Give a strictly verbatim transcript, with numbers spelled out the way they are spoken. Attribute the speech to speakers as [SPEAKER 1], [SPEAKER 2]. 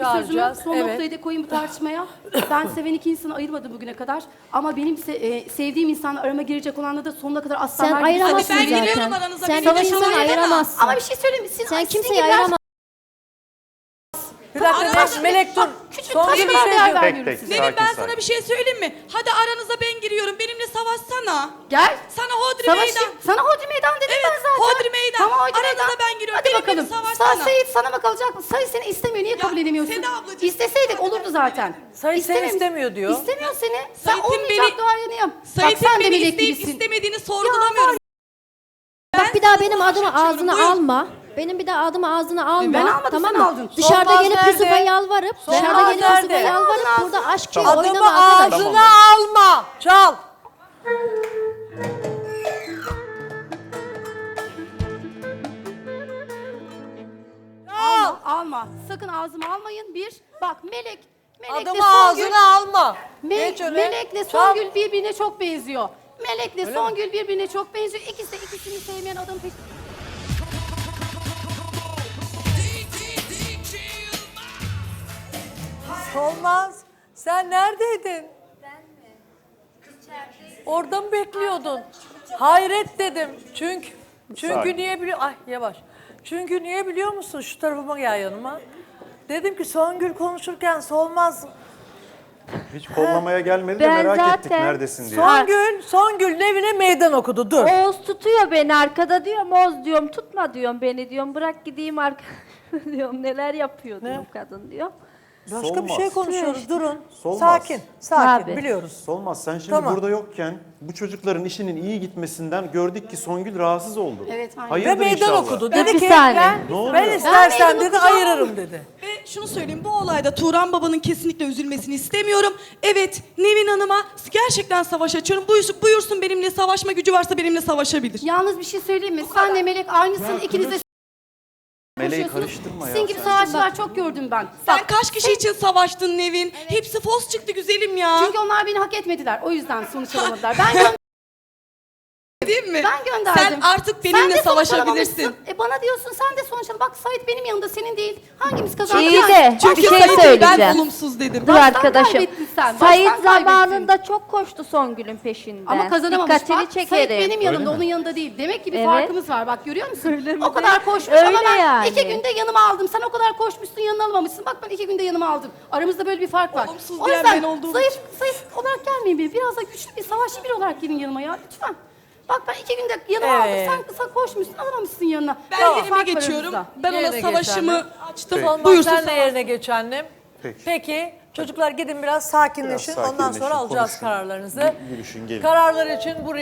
[SPEAKER 1] sözümü
[SPEAKER 2] çağıracağız.
[SPEAKER 1] son
[SPEAKER 2] Evet.
[SPEAKER 1] noktayı da koyayım bu tartışmaya. Ben seven iki insanı ayırmadım bugüne kadar. Ama benim se e, sevdiğim insanla arama girecek olanla da sonuna kadar asla
[SPEAKER 3] Sen
[SPEAKER 1] her gibi
[SPEAKER 3] ayıramazsın
[SPEAKER 1] savaşmayı-
[SPEAKER 4] Ben giriyorum
[SPEAKER 3] zaten.
[SPEAKER 4] aranıza,
[SPEAKER 3] Sen
[SPEAKER 4] beni
[SPEAKER 3] iki
[SPEAKER 4] de
[SPEAKER 3] insanı
[SPEAKER 4] şöyle deme.
[SPEAKER 3] ayıramazsın.
[SPEAKER 1] Ama bir şey söyleyeyim mi? Siz,
[SPEAKER 3] Sen
[SPEAKER 1] sizin
[SPEAKER 3] kimseyi
[SPEAKER 1] gibiler-
[SPEAKER 3] ayıramazsın.
[SPEAKER 2] Bir dakika
[SPEAKER 1] Aramazsın.
[SPEAKER 2] Melek, Melek dur.
[SPEAKER 1] Bak, küçük
[SPEAKER 2] Son
[SPEAKER 1] taşlara
[SPEAKER 2] bir şey
[SPEAKER 1] değer
[SPEAKER 2] diyor.
[SPEAKER 1] vermiyorum
[SPEAKER 5] Tek tek.
[SPEAKER 1] size.
[SPEAKER 4] Nevin
[SPEAKER 5] Sakin,
[SPEAKER 4] ben
[SPEAKER 5] sakin.
[SPEAKER 4] sana bir şey söyleyeyim mi? Hadi aranıza ben giriyorum. Benimle savaşsana.
[SPEAKER 1] Gel.
[SPEAKER 4] Sana hodri
[SPEAKER 1] Savaşayım.
[SPEAKER 4] meydan.
[SPEAKER 1] Sana hodri meydan dedim
[SPEAKER 4] Evet,
[SPEAKER 1] ben zaten.
[SPEAKER 4] hodri meydan.
[SPEAKER 1] Tamam hodri
[SPEAKER 4] Aranıza
[SPEAKER 1] meydan.
[SPEAKER 4] ben giriyorum.
[SPEAKER 1] Hadi
[SPEAKER 4] Benimle
[SPEAKER 1] bakalım.
[SPEAKER 4] savaşsana.
[SPEAKER 1] Sa Sayit sana mı kalacak mı? Sayit seni istemiyor. Niye kabul
[SPEAKER 4] Ya,
[SPEAKER 1] edemiyorsun?
[SPEAKER 4] Seda ablacığım.
[SPEAKER 1] İsteseydik olurdu zaten.
[SPEAKER 2] Sayit seni
[SPEAKER 1] İstememiş-
[SPEAKER 2] istemiyor diyor.
[SPEAKER 1] İstemiyor seni. Sen
[SPEAKER 4] Sait'in
[SPEAKER 1] olmayacak
[SPEAKER 4] beni-
[SPEAKER 1] duayeniyim. Bak
[SPEAKER 4] Sait'in
[SPEAKER 1] sen de
[SPEAKER 4] beni
[SPEAKER 1] melek
[SPEAKER 4] isteyip
[SPEAKER 1] gibisin.
[SPEAKER 4] istemediğini sorgulamıyorum.
[SPEAKER 3] Bak bir daha benim
[SPEAKER 4] sana
[SPEAKER 3] adımı
[SPEAKER 4] açıyorum,
[SPEAKER 3] ağzına
[SPEAKER 4] buyur.
[SPEAKER 3] alma. Benim bir daha adımı ağzına alma.
[SPEAKER 1] Ben almadım,
[SPEAKER 3] tamam
[SPEAKER 1] sen
[SPEAKER 3] mı?
[SPEAKER 1] aldın.
[SPEAKER 3] Dışarıda
[SPEAKER 2] Solmaz
[SPEAKER 3] gelip
[SPEAKER 2] nerede?
[SPEAKER 3] Yusuf'a yalvarıp,
[SPEAKER 2] Solmaz
[SPEAKER 3] dışarıda gelip
[SPEAKER 2] nerede?
[SPEAKER 3] Yusuf'a yalvarıp
[SPEAKER 1] Solmaz
[SPEAKER 3] burada aşk gibi
[SPEAKER 2] Adımı
[SPEAKER 3] oynama arkadaş.
[SPEAKER 2] ağzına alma. Çal.
[SPEAKER 1] Alma, alma. Sakın ağzıma almayın. Bir, bak Melek. Melek'le
[SPEAKER 2] Adımı
[SPEAKER 1] Songül,
[SPEAKER 2] ağzına alma.
[SPEAKER 1] Me
[SPEAKER 2] Geç öyle.
[SPEAKER 1] Melek'le
[SPEAKER 2] Çal.
[SPEAKER 1] Songül birbirine çok benziyor. Melek'le Songül birbirine çok benziyor. İkisi de ikisini sevmeyen adam peşinde.
[SPEAKER 2] Olmaz. Sen neredeydin? Ben mi? Orada mı bekliyordun? Hayret dedim. Çünkü çünkü
[SPEAKER 5] Sakin.
[SPEAKER 2] niye biliyor? Ay yavaş. Çünkü niye biliyor musun? Şu tarafıma gel yanıma. Dedim ki Songül konuşurken Solmaz.
[SPEAKER 5] Hiç kollamaya gelmedi de
[SPEAKER 6] Ben
[SPEAKER 5] merak ettik
[SPEAKER 6] zaten-
[SPEAKER 5] neredesin diye.
[SPEAKER 2] Songül, Songül evine meydan okudu. Dur.
[SPEAKER 6] Oğuz tutuyor beni arkada diyorum. Oğuz diyorum tutma diyorum beni diyorum. Bırak gideyim arka diyorum. Neler yapıyor diyorum kadın diyor.
[SPEAKER 2] Başka bir
[SPEAKER 5] Solmaz.
[SPEAKER 2] şey konuşuyoruz. Durun.
[SPEAKER 5] Solmaz.
[SPEAKER 2] Sakin. Sakin.
[SPEAKER 6] Tabii.
[SPEAKER 2] Biliyoruz.
[SPEAKER 5] Solmaz sen şimdi
[SPEAKER 2] Tamam.
[SPEAKER 5] burada yokken bu çocukların işinin iyi gitmesinden gördük ki Songül rahatsız oldu.
[SPEAKER 1] Evet, aynen.
[SPEAKER 2] Ve
[SPEAKER 5] Hayırdır
[SPEAKER 2] meydan
[SPEAKER 5] inşallah.
[SPEAKER 2] okudu.
[SPEAKER 6] Ben-
[SPEAKER 2] Dedi
[SPEAKER 6] Bir
[SPEAKER 2] ki
[SPEAKER 6] saniye.
[SPEAKER 2] ben,
[SPEAKER 5] Ne oluyor?
[SPEAKER 2] ben istersen
[SPEAKER 1] Ben
[SPEAKER 2] dedi
[SPEAKER 1] meydan okuyacağım.
[SPEAKER 2] ayırırım dedi.
[SPEAKER 4] Ve şunu söyleyeyim, bu olayda Turan babanın kesinlikle üzülmesini istemiyorum. Evet, Nevin Hanım'a gerçekten savaş açıyorum. Buyursun, buyursun benimle savaşma gücü varsa benimle savaşabilir.
[SPEAKER 1] Yalnız bir şey söyleyeyim mi? Senle Melek aynısın. İkiniz de
[SPEAKER 5] Meleği
[SPEAKER 1] konuşuyorsunuz.
[SPEAKER 5] karıştırma ya.
[SPEAKER 1] Sizin gibi
[SPEAKER 5] sen.
[SPEAKER 1] savaşçılar çok gördüm ben.
[SPEAKER 4] Sen
[SPEAKER 1] Bak,
[SPEAKER 4] kaç kişi için savaştın Nevin? Hepsi fos çıktı güzelim ya.
[SPEAKER 1] Çünkü onlar beni hak etmediler. O yüzden sonuç alamadılar. Ben gö-
[SPEAKER 4] Değil mi?
[SPEAKER 1] ben gönderdim.
[SPEAKER 4] Sen artık
[SPEAKER 1] Sen
[SPEAKER 4] benimle
[SPEAKER 1] de sonuç
[SPEAKER 4] savaşabilirsin.
[SPEAKER 1] alamamışsın. E bana diyorsun sen de sonuç al. Bak Sait benim yanımda senin değil. Hangimiz kazandı?
[SPEAKER 6] İyi
[SPEAKER 1] Yani?
[SPEAKER 6] de
[SPEAKER 4] Çünkü
[SPEAKER 6] bir şey
[SPEAKER 4] Sait'i
[SPEAKER 6] söyleyeceğim.
[SPEAKER 4] ben olumsuz dedim.
[SPEAKER 6] Dur
[SPEAKER 1] Baştan
[SPEAKER 6] arkadaşım.
[SPEAKER 1] kaybettin sen,
[SPEAKER 6] Sayit
[SPEAKER 1] baştan kaybettin.
[SPEAKER 6] zamanında çok koştu Songül'ün peşinden.
[SPEAKER 1] Ama kazanamamış.
[SPEAKER 6] Dikkatini
[SPEAKER 1] Bak Sait
[SPEAKER 6] çekerim.
[SPEAKER 1] benim yanımda,
[SPEAKER 5] Öyle mi?
[SPEAKER 1] onun yanında değil. Demek ki bir
[SPEAKER 6] Evet.
[SPEAKER 1] farkımız var. Bak görüyor musun?
[SPEAKER 6] Öyle mi
[SPEAKER 1] o kadar
[SPEAKER 6] de?
[SPEAKER 1] koşmuş ama
[SPEAKER 6] Öyle
[SPEAKER 1] ben
[SPEAKER 6] yani.
[SPEAKER 1] iki günde yanıma aldım. Sen o kadar koşmuşsun yanına alamamışsın. Bak ben iki günde yanıma aldım. Aramızda böyle bir fark var.
[SPEAKER 4] Olumsuz
[SPEAKER 1] O
[SPEAKER 4] diyen
[SPEAKER 1] yüzden
[SPEAKER 4] ben olduğum
[SPEAKER 1] zayıf, zayıf olarak gelmeyin bir. Biraz da güçlü bir savaşçı biri olarak gelin yanıma ya. Lütfen. Bak ben iki günde yanıma
[SPEAKER 2] Evet.
[SPEAKER 1] aldım. Sen kısa koşmuşsun alamamışsın yanına.
[SPEAKER 4] Ben
[SPEAKER 1] Biraz
[SPEAKER 4] yerime
[SPEAKER 1] fark var
[SPEAKER 4] geçiyorum.
[SPEAKER 1] aramızda.
[SPEAKER 4] Ben ona
[SPEAKER 2] Yerine
[SPEAKER 4] savaşımı
[SPEAKER 2] geç
[SPEAKER 4] açtım.
[SPEAKER 5] Peki.
[SPEAKER 2] Olmaz
[SPEAKER 4] Buyursun
[SPEAKER 2] sen de
[SPEAKER 4] savaş.
[SPEAKER 2] yerine geç annem.
[SPEAKER 5] Peki.
[SPEAKER 2] Peki çocuklar gidin biraz sakinleşin.
[SPEAKER 5] Biraz
[SPEAKER 2] Ondan sonra
[SPEAKER 5] sakinleşin,
[SPEAKER 2] alacağız
[SPEAKER 5] konuşun.
[SPEAKER 2] kararlarınızı.
[SPEAKER 5] Yürüyüşün, gelin.
[SPEAKER 2] Kararlar için buraya